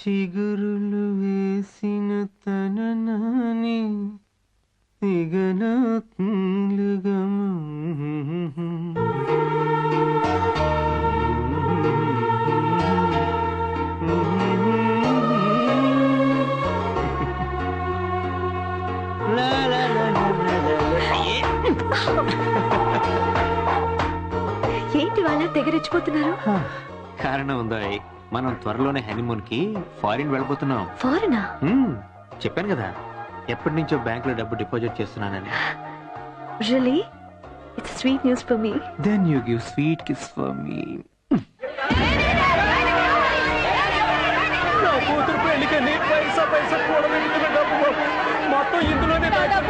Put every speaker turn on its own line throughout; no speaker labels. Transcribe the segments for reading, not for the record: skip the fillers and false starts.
చిగురులు వేసిన తననాని తిగనాత్ములుగా
ఏంటి వాళ్ళ తెగరెచ్చిపోతున్నారు?
కారణం ఉందా? మనం త్వరలోనే హనీమూన్ కి ఫారిన్ వెళ్ళిపోతున్నాం.
ఫారినా?
చెప్పాను కదా, ఎప్పటి నుంచో బ్యాంక్ లో డబ్బు డిపాజిట్ చేస్తున్నానని.
Really? It's sweet news for me.
Then you give sweet kiss for me. నా కూతురు పెళ్లికని పైసా పైసా కూడబెట్టిన డబ్బు మొత్తం ఇందులోనే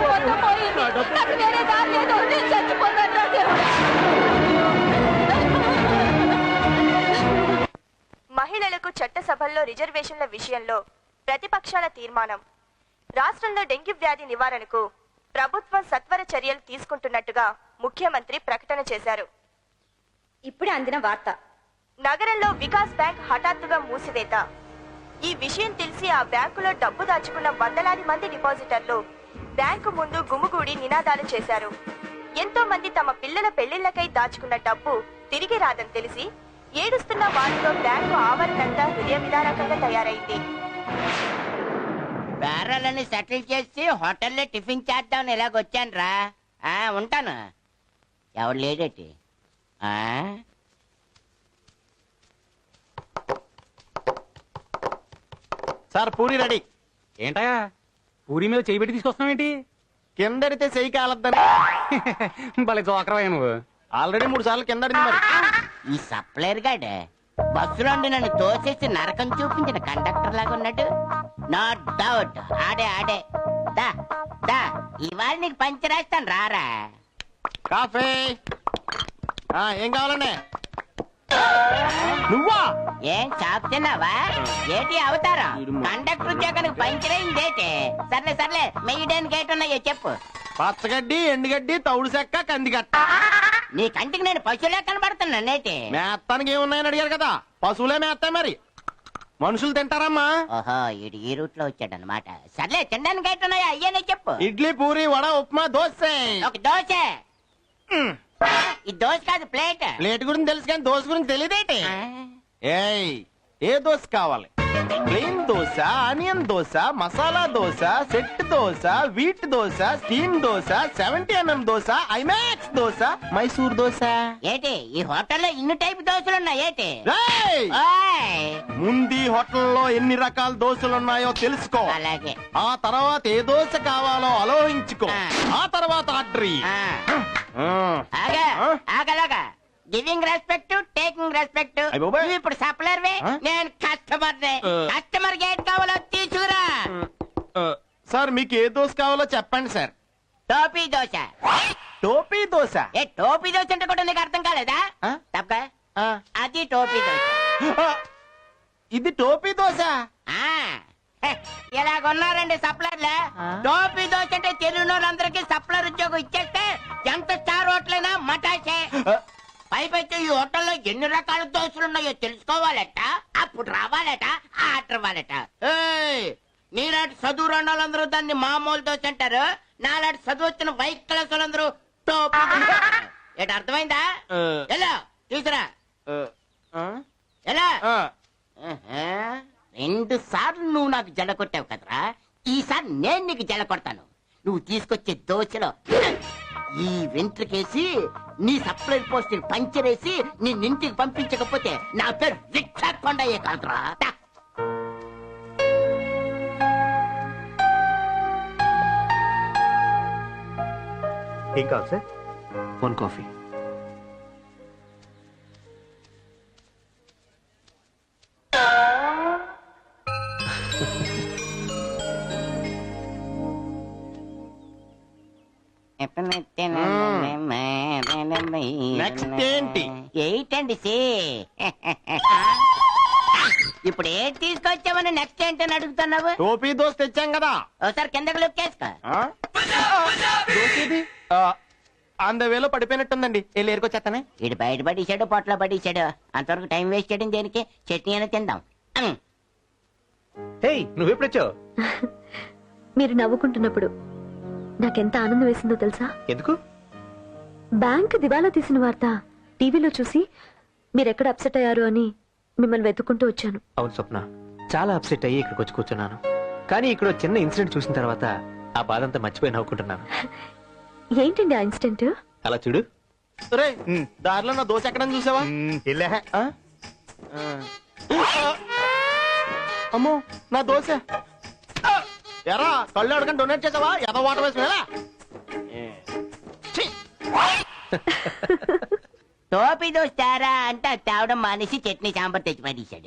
మహిళలకు చట్టసభల్లో రిజర్వేషన్ల విషయంలో ప్రతిపక్షాల తీర్మానం. రాష్ట్రంలో డెంగ్యూ వ్యాధి నివారణకు ప్రభుత్వం సత్వర చర్యలు తీసుకుంటున్నట్టుగా ముఖ్యమంత్రి ప్రకటన చేశారు.
ఇప్పుడే అందిన వార్త.
నగరంలో వికాస్ బ్యాంక్ హఠాత్తుగా మూసివేత. ఈ విషయం తెలిసి ఆ బ్యాంకులో డబ్బు దాచుకున్న వందలాది మంది డిపాజిటర్లు బ్యాంకు ముందు గుమిగూడి నినాదాలు చేశారు. ఎంతో మంది తమ పిల్లల పెళ్లిళ్లకై దాచుకున్న డబ్బు తిరిగి రాదని తెలిసి ఏడుస్తున్న వారితో బ్యాంకు ఆవరణంతా హృదయ విదారకంగా తయారైంది.
బేరాలని సెటిల్ చేసి హోటల్లో టిఫిన్ చేద్దామని ఇలాగొచ్చాను రా. ఉంటాను. ఎవరు లేడేటి?
Sir puri ready.
ఏంటయా పూరి మీద చేయి పెట్టి తీసుకొస్తున్నావేంటి?
కిందడితే చెయ్యి కాలద్దని.
భలే జోకరవయ్యా నువ్వు.
ఆల్రెడీ 3 సార్లు కిందడింది మరి.
ఈ సప్లైర్ గాడే బస్సులో నన్ను తోసేసి నరకం చూపించిన కండక్టర్ లాగా ఉన్నాడు. నో డౌట్ ఆడే దా దా ఇవాళ నీకు పంచరేస్తాను రారా.
కాఫీ ఏం కావాలండి? నువ్వా?
ఏం చాప్ తిన్నావా? ఏటి అవతారం? కండక్టర్ ఉద్యోగానికి పంచరైందేటి? సర్లే మెయ్యడానికి ఏటున్నాయో చెప్పు.
పచ్చగడ్డి, ఎండుగడ్డి, తౌడు చెక్క, కందిగట్ట.
నీ కంటికి నేను పశువులే కనబడుతున్నా నేటి.
మేత్తానికి ఏమున్నాయని అడిగారు కదా, పశువులే మేస్తాయి మరి. మనుషులు తింటారమ్మా.
ఓహో ఇడు ఈ రూట్ లో వచ్చాడనమాట. సర్లే తినడానికి ఏటున్నాయో అయ్యేనే చెప్పు.
ఇడ్లీ, పూరి, వడ, ఉప్మా, దోశ.
ఒక దోశ. ఈ దోశ కాదు ప్లేట్.
ప్లేట్ గురించి తెలుసు కానీ దోశ గురించి తెలియదేటి? ఏయ్ ఏ దోశ కావాలి? Plain dosa, onion dosa, masala dosa, set dosa, wheat dosa, steam dosa, 70mm dosa, IMAX dosa, Mysore dosa.
ఏటి ఈ హోటల్లో ఇన్ని టైప్ దోశలు ఉన్నాయి ఏటి?
ముందు హోటల్లో ఎన్ని రకాల దోశలు ఉన్నాయో తెలుసుకో.
అలాగే.
ఆ తర్వాత ఏ దోశ కావాలో ఆలోచించుకో. ఆ తర్వాత ఆర్డర్.
ఆగలాగా గివింగ్ రెస్పెక్ట్, టేకింగ్ రెస్పెక్ట్. ఇప్పుడు సప్లర్ నేను కస్టమర్. కస్టమర్ గేట్ కావాలో తీసుకురా.
సార్ మీకు ఏ దోశ కావాలో చెప్పండి సార్.
టోపీ దోశ.
టోపీ దోశ?
ఏ టోపీ దోశ అంటే కూడా నీకు అర్థం కాలేదా? తప్ప అది టోపీ దోశ.
ఇది టోపీ దోశ.
ఇలాగున్నారండి సప్లర్లే. టోపీ దోశ అంటే తెలుగు వాళ్ళందరికీ సప్లర్ ఉద్యోగం ఇచ్చేస్తే ఎంత స్టార్ హోటలైనా మటాసే. పైపైతే ఈ హోటల్లో ఎన్ని రకాల దోశలు ఉన్నాయో తెలుసుకోవాలట, అప్పుడు రావాలట, ఆర్డర్ ఇవ్వాలట. నీలాంటి చదువు రెండాలందరూ దాన్ని మామూలు దోశ అంటారు. నాలాంటి చదువు వచ్చిన వైట్ క్లాస్ వాళ్ళందరూ టోపీ దోశ. ఏంటి అర్థమైందా? ఎలా తీసురా ఎలా? 2 సార్లు నువ్వు నాకు జడ కొట్టావు కదరా, ఈసారి నేను నీకు జడ కొడతాను. నువ్వు తీసుకొచ్చే దోశలో ఈ వెంట్రుకేసి నీ సప్లై పోస్ట్ పంచరేసి నిన్నింటికి పంపించకపోతే నా పేరు రిక్షా కొండయ్యే కాదురా.
ఏం కావాలి సార్?
1 కాఫీ.
నెక్స్ట్ ఏంటి?
ఏంటండి ఇప్పుడు ఏం తీసుకొచ్చామని నెక్స్ట్ ఏంటని అడుగుతున్నావు?
టోపీ దోశ తెచ్చాం కదా.
ఒకసారి కిందకి లుక్కేసుకో.
వేలో పడిపోయినట్టుందండి. వెళ్ళి ఏరుకొచ్చేస్తానే.
ఇటు బయట పడేసాడు, పొట్లో పడేసాడు. అంతవరకు టైం వేస్ట్ చేయడం దేనికి? చట్నీ అయినా తిందాం.
హే నువ్వెప్పుడొచ్చావు?
మీరు నవ్వుకుంటున్నప్పుడు నాకెంత ఆనందం వేసిందో తెలుసా?
ఎందుకు?
బ్యాంక్ దివాలా తీసిన వార్త టీవీలో చూసి మీరెక్కడ అప్సెట్ అయ్యారు అని మిమ్మల్ని వెతుక్కుంటూ వచ్చాను.
అవును స్వప్న, చాలా అప్సెట్ అయ్యి ఇక్కడికి వచ్చి కూర్చున్నాను. కానీ ఇక్కడ ఓ చిన్న ఇన్సిడెంట్ చూసిన తర్వాత ఆ బాధ అంతా మర్చిపోయి నవ్వుకుంటున్నాను.
ఏంటండి ఆ ఇన్సిడెంట్?
అలా చూడు.
రే దారిలో నా దోశ ఎక్కడని చూసావా? ఆ? అమ్మో నా దోశ. ఎరా కళ్ళు అడగని డొనేట్ చేసావా? ఎద వాటర్ వేసి వెళ్ళా.
టోపీ దోస్తారా అంటే అది తేవడం మానేసి చట్నీ సాంబార్ తెచ్చి పడేశాడు.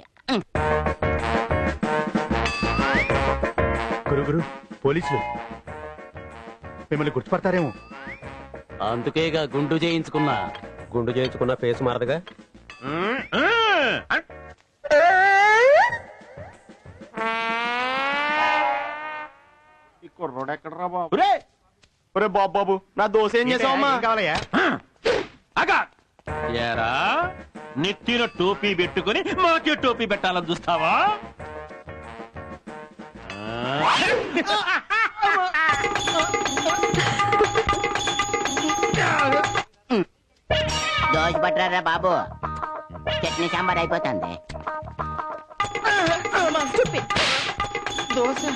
గురు పోలీసులు మిమ్మల్ని గుర్తుపడతారేమో.
అందుకేగా గుండు చేయించుకున్న ఫేస్ మారదుగా.
ఈ కుర్రోడు ఎక్కడరా బాబు? రే ఒరే బాబు బాబు నా దోశ ఏం చేసావమ్మా?
కావాలయ్యా?
ఏరా నెత్తిన టోపీ పెట్టుకుని మాకే టోపీ పెట్టాలని చూస్తావా?
దోశ పట్టరా బాబు, చట్నీ సాంబార్ అయిపోతుంది.
దోశ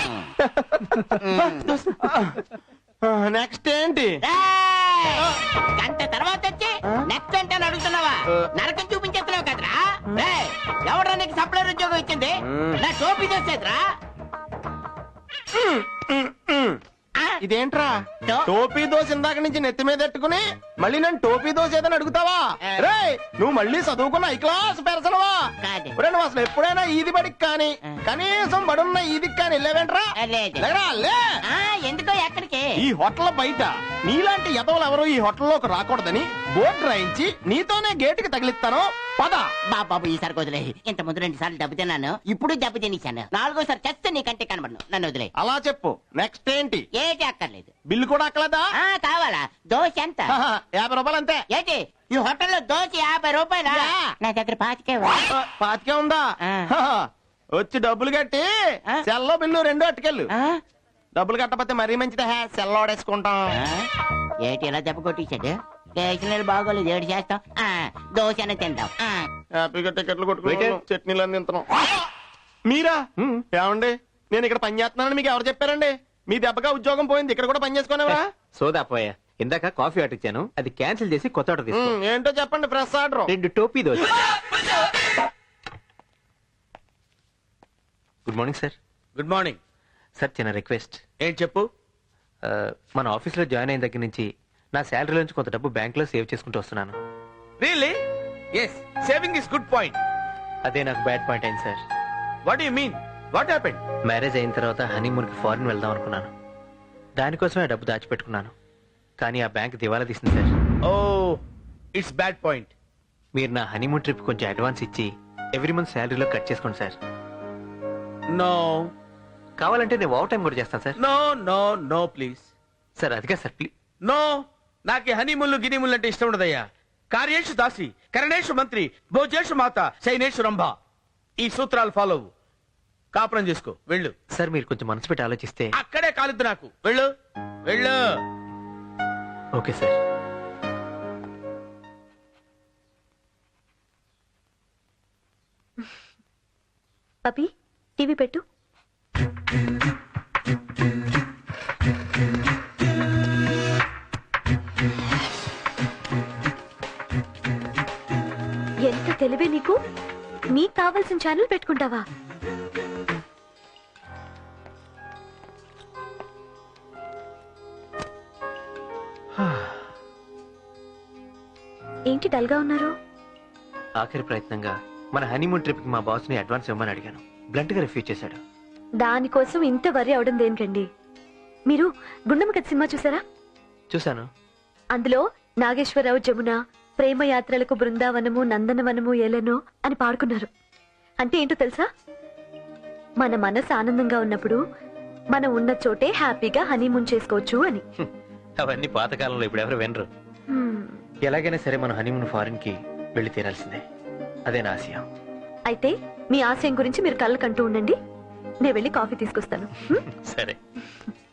నెక్స్ట్ ఏంటి?
గంట తర్వాత వచ్చి నెక్స్ట్ అంటే అడుగుతున్నావా? నరకం చూపించేస్తున్నావు కదరా. ఎవరా నీకు సప్లైర్ ఉద్యోగం ఇచ్చింది? నా టోపీ దోసేదిరా.
ఇదేంట్రా
టో-
టోపీ దోశ ఇందాక నుంచి నెత్తి మీద పెట్టుకుని మళ్ళీ నన్ను టోపీ దోశ ఏదని అడుగుతావా? రే నువ్వు మళ్ళీ చదువుకున్న ఐ క్లాస్ పెరసనవా?
కాదు.
నువ్వు అసలు ఎప్పుడైనా ఈది బడికి కానీ కనీసం బడున్న ఈదికి కానీ వెళ్ళావేంట్రా?
లేదు.
లేరా, లే.
ఎందుకో ఎక్కడికి?
ఈ హోటల్ బయట నీలాంటి ఎదవలు ఎవరు ఈ హోటల్లోకి రాకూడదని బోర్డు రాయించి నీతోనే గేటుకి తగిలిస్తాను. పద
బాబు ఈసారి వదిలే. ఇంత ముందు 2 సార్లు దెబ్బ తిన్నాను, ఇప్పుడు దెబ్బ తినేశాను. 4గోసారి చస్తే నీకంటే కనబడను. నన్ను వదిలే.
అలా చెప్పు. నెక్స్ట్ ఏంటి?
ఏటి అక్కర్లేదు.
బిల్లు కూడా అక్కలేదా?
కావాలా? దోశ ఎంత?
50 రూపాయలు అంతే.
ఏంటి ఈ హోటల్లో దోశ 50 రూపాయలా? నా దగ్గర 25.
పాతికే ఉందా?
ఆ.
వచ్చి డబ్బులు కట్టి
ఆ.
సెల్లో బిల్లు 2 అట్టుకెళ్ళు. డబ్బులు కట్టకపోతే మరీ మంచిదే. సెల్ ఓడేసుకుంటాం.
ఏటి ఇలా దెబ్బ కొట్టించాడు? స్టేషనరీ బాగోలేదు, ఏడు చేస్తాం. దోశ అన్న తిందాం.
హ్యాపీగా టికెట్లు కొట్టుకుంటాం, చట్నీలు అన్ని తింటున్నాం. మీరా? ఏమండి నేను ఇక్కడ పని చేస్తున్నానని మీకు ఎవరు చెప్పారండి? మీ దెబ్బగా ఉద్యోగం పోయింది, ఇక్కడ కూడా పని చేసుకునేవా?
సోదా పోయా, ఇందాక కాఫీ ఆర్డర్ ఇచ్చాను, అది క్యాన్సిల్ చేసి కొత్త ఆర్డర్ తీసుకో.
ఏంటో చెప్పండి. Fresh order.
2 టోపీ dosa. Good morning sir.
Good morning.
Sir చిన్న రిక్వెస్ట్.
ఏంటి చెప్పు.
మన ఆఫీస్ లో జాయిన్ అయిన దగ్గర నుంచి నా శాలరీ నుంచి కొంత డబ్బు బ్యాంక్ లో సేవ్ చేసుకుంటూ వస్తున్నాను.
Really? Yes, saving is good point.
అదే నాకు బ్యాడ్ పాయింట్ అయింది sir.
What you mean? What happened?
Marriage అయిన తర్వాత హనీమూన్ కి ఫారిన్ వెళ్దాం అనుకున్నాను. దానికోసమే ఆ డబ్బు దాచిపెట్టుకున్నాను. కానీ ఆ బ్యాంక్ దివాలా తీసింది sir.
Oh, it's bad point.
మీరు నా హనీమూన్ ట్రిప్ కొంచెం అడ్వాన్స్ ఇచ్చి ఎవ్రీ మంత్ శాలరీలో కట్ చేసుకోండి సార్.
నో
కావాలంటే నేను ఓవర్ టైం కూడా చేస్తాను sir.
No no no please.
Sir అదిగా సార్ ప్లీజ్.
నో, నాకు హనీముళ్ళు గినిముళ్ళు అంటే ఇష్టం ఉండదయ్యా. కార్యేషు దాసి, కరణేషు మంత్రి, భోజేషు మాత, శైనేషు రంభ. ఈ సూత్రాలు ఫాలో అవ్వు. కాపురం చేసుకో, వెళ్ళు.
సార్ మీరు కొంచెం మనసు పెట్టి ఆలోచిస్తే.
అక్కడే కాలిద్దు నాకు. వెళ్ళు వెళ్ళు.
Okay sir.
పపి టీవీ పెట్టు. ఎంత తెలివే నీకు. నీకు కావాల్సిన ఛానల్ పెట్టుకుంటావా? ఏంటి డల్గా ఉన్నారు?
ఆఖరి ప్రయత్నంగా మన హనీమూన్ ట్రిప్ కి మా బాస్ ని అడ్వాన్స్ ఇవ్వమని అడిగాను. బ్లంట్ గా రిఫ్యూజ్ చేశాడు.
దానికోసం ఇంత వరి అవడం దేనికండి? మీరు గుండమ్మ కథ సినిమా చూసారా?
చూశాను.
అందులో నాగేశ్వరరావు జమున ప్రేమ యాత్రలకు బృందావనము నందనవనము ఏలెనో అని పాడుకున్నారు. అంటే ఏంటో తెలుసా? మన మనసు ఆనందంగా ఉన్నప్పుడు మనం ఉన్న చోటే హ్యాపీగా హనీమూన్ చేసుకోవచ్చు అని.
అవన్నీ పాతకాలంలో ఇప్పుడు ఎవరు వినరు. ఎలాగైనా సరే మన హనీమూన్ ఫారిన్ కి వెళ్లి తీరాల్సిందే. అదే నా ఆశయం.
అయితే మీ ఆశయం గురించి మీరు కళ్ళకంటూ ఉండండి. నేను వెళ్ళి కాఫీ తీసుకొస్తాను.
సరే